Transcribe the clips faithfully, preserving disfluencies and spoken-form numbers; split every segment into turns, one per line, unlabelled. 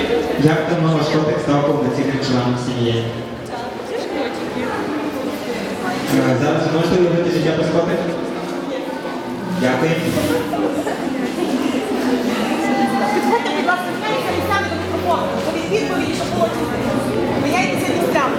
Як давно ваш котик став повноцінним членом сім'ї? Е, Зараз ви можете уявити життя без котика? Дякую.
Підходьте, будь ласка, міняйте місцями до мікрофону. Повіть відповіді, щоб було чути. Міняйтеся місцями.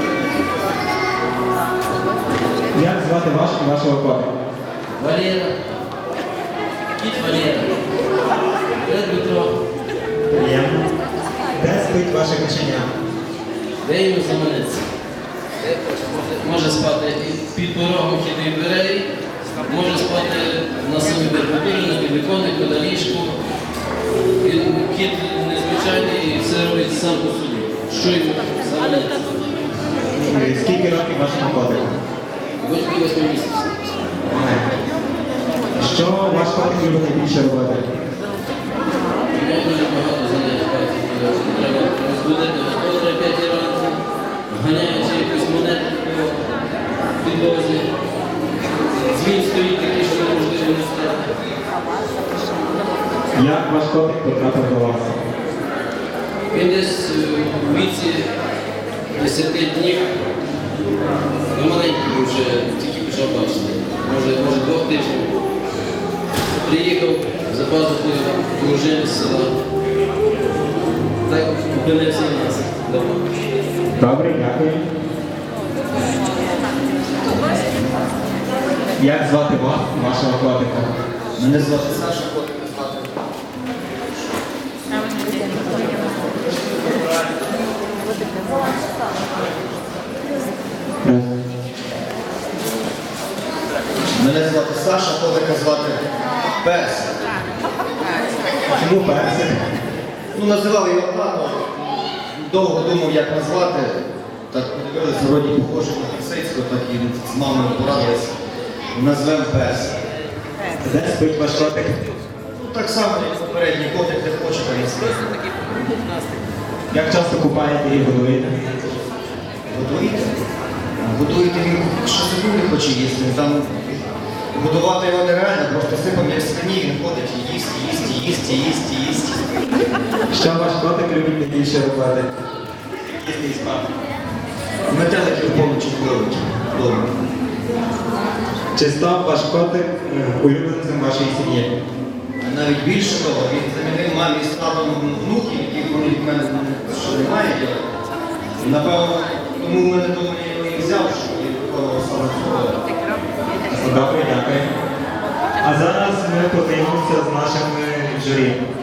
Як звати ваш і вашого котика?
Валера. Кіт Валера. Привет, Дмитро.
Приємно. Де спить ваше кошеня?
Де йому заманеться? Може спати і під порогом хідної дверей, може спати на самій верхотурі, на підвіконнику, на ліжку. Він кіт незвичайний і все робить сам по собі. Що йому заманеться?
Е, Скільки років вашому котику?
Восьми місяців.
Е, Що ваш котик любить найбільше робити?
Я дуже багато занять бачу. Треба розбудити господаря п'ятій ранку, ганяючи якусь монету по підлозі. Дзвін стоїть такий, що неможливо не стати.
Як ваш котик потрапив до вас?
Він десь е, у віці десяти днів, ну маленький був вже, тільки почав бачити, може, може двох тижнів. Приїхав за пазухою дружини з села. Так опинився в нас вдома.
Добре, дякую. Як звати вас і вашого котика?
Мене звати Саша, котика звати. Мене звати Саша, котика звати Пес.
Чому персик?
Ну, називав його тато. Довго думав, як назвати. Так подивилися, вроді похожий на Лисицького, так і з мамою порадились. Назвемо Пес.
Де спить ваш котик?
Ну, так само, як попередній котик, де хоче, там і спить.
Як часто купаєте і годуєте?
Годуєте? Годуєте він, що собі не хоче їсти. Там годувати його нереально, просто сипом як свині, він ходить і їсть, і їсть, і їсть, і їсть, і їсть.
Що ваш котик любить найбільше робити? Їсти і спати.
Метеликів поночі ловить вдома.
Чи став ваш котик е, улюбленцем вашої сім'ї?
Навіть більше того, він замінив мамі з татом внуків, яких вони в мене ще немає. І, напевно, тому в мене тому я його і взяв, що я виконував саме цього.
Добре, дякую. А зараз ми подивимося з нашими журі.